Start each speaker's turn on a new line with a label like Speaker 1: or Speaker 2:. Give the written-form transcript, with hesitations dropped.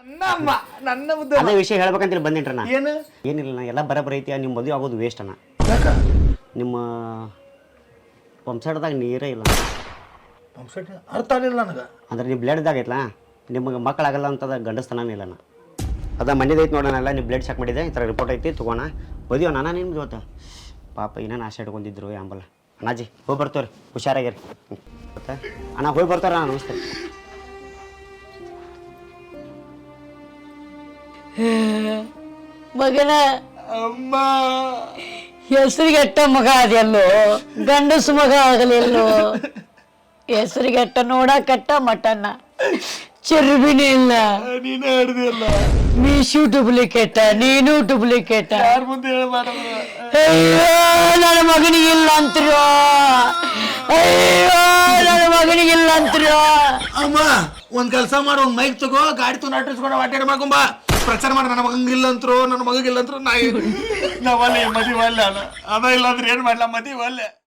Speaker 1: ನನ್ನ ನನ್ನ ಮುದ್ದೆ
Speaker 2: ಅದೇ ವಿಷಯ ಹೇಳ್ಬೇಕಂತೇಳಿ ಬಂದಿನ್ರಿ ನಾ.
Speaker 1: ಏನು
Speaker 2: ಏನಿಲ್ಲ ನಾ ಎಲ್ಲ ಬರಬರ ಐತಿ. ನಿಮ್ಮ ಮದುವೆ ಆಗೋದು ವೇಸ್ಟ್ ಅಣ್ಣ.
Speaker 1: ಯಾಕ
Speaker 2: ನಿಮ್ಮ ಪಂಪ್ಸೆಟ್ದಾಗ ನೀರೇ ಇಲ್ಲ.
Speaker 1: ಪಂಪ್ಸೆಟ್ ಅರ್ಥ ಆಗಲಿಲ್ಲ ನನಗೆ.
Speaker 2: ಅಂದ್ರೆ ನೀವು ಬ್ಲಡ್ದಾಗ ಐತಲ್ಲ, ನಿಮಗೆ ಮಕ್ಕಳಾಗಲ್ಲ ಅಂತದ ಗಂಡಸ್ತನೇ ಇಲ್ಲ. ಅದ ಮನೆದೈತೆ ನೋಡೋಣಲ್ಲ, ನೀವು ಬ್ಲಡ್ ಚೆಕ್ ಮಾಡಿದೆ, ಈ ಥರ ರಿಪೋರ್ಟ್ ಐತಿ ತೊಗೋಣ ಮದುವೆ ನಾನು ನಿಮ್ಗೆ ಇವತ್ತು. ಪಾಪ ಏನೇನು ಆಸೆ ಇಟ್ಕೊಂಡಿದ್ರು ಅಂಬಲ್ಲ. ಅಣ್ಣಾಜಿ ಹೋಗಿ ಬರ್ತೇವ್ರಿ, ಹುಷಾರಾಗಿರಿ. ಮತ್ತೆ ಅಣ್ಣ ಹೋಗಿ ಬರ್ತಾರ. ಅಣ್ಣ ನಮಸ್ತೆ.
Speaker 3: ಮಗನ
Speaker 1: ಅಮ್ಮ
Speaker 3: ಹೆಸರಿಗೆಟ್ಟ ಮಗ ಅದೆಲ್ಲೋ, ಗಂಡಸು ಮಗ ಆಗಲೆಲ್ಲೋ. ಹೆಸರಿಗೆಟ್ಟ ನೋಡಕಟ್ಟ ಮಟನ್ನ, ಚರ್ಬಿನೇ ಇಲ್ಲ.
Speaker 1: ನೀನೇ ಹಿಡ್ದಿಲ್ಲ.
Speaker 3: ಮೀಶು ಡೂಪ್ಲಿಕೇಟ, ನೀನು ಡೂಪ್ಲಿಕೇಟ.
Speaker 1: ಯಾರ ಮುಂದೆ ಹೇಳ್ಬಾರ್ದು.
Speaker 3: ಅಯ್ಯೋ ನನ್ನ ಮಗನಿಗಿಲ್ಲ ಅಂತ್ರೋ, ಅಯ್ಯೋ ನನ್ನ ಮಗನಿಗಿಲ್ಲ ಅಂತ್ರೋ.
Speaker 1: ಅಮ್ಮ ಒಂದ್ ಕೆಲಸ ಮಾಡು, ಒಂದ್ ಮೈಕ್ ತಗೋ, ಗಾಡಿ ತು ನಾಟಿಸ್ಕೊಂಡು ಅಡ್ಡಾಡಿ ಮಾಡ್ಕೊಂಬ, ಪ್ರಚಾರ ಮಾಡಿ. ನನ್ನ ಮಗಂಗಿಲ್ಲ ಅಂತರು, ನನ್ನ ಮಗಗಿಲ್ಲ ಅಂತರು. ನಾವಲ್ಲಿ ಮದಿ ಒಲ್ಲೆ ಅದ ಇಲ್ಲ ಅಂದ್ರೆ ಏನ್ ಮಾಡ್ಲಾ, ಮದಿ ಒಲ್ಲೆ.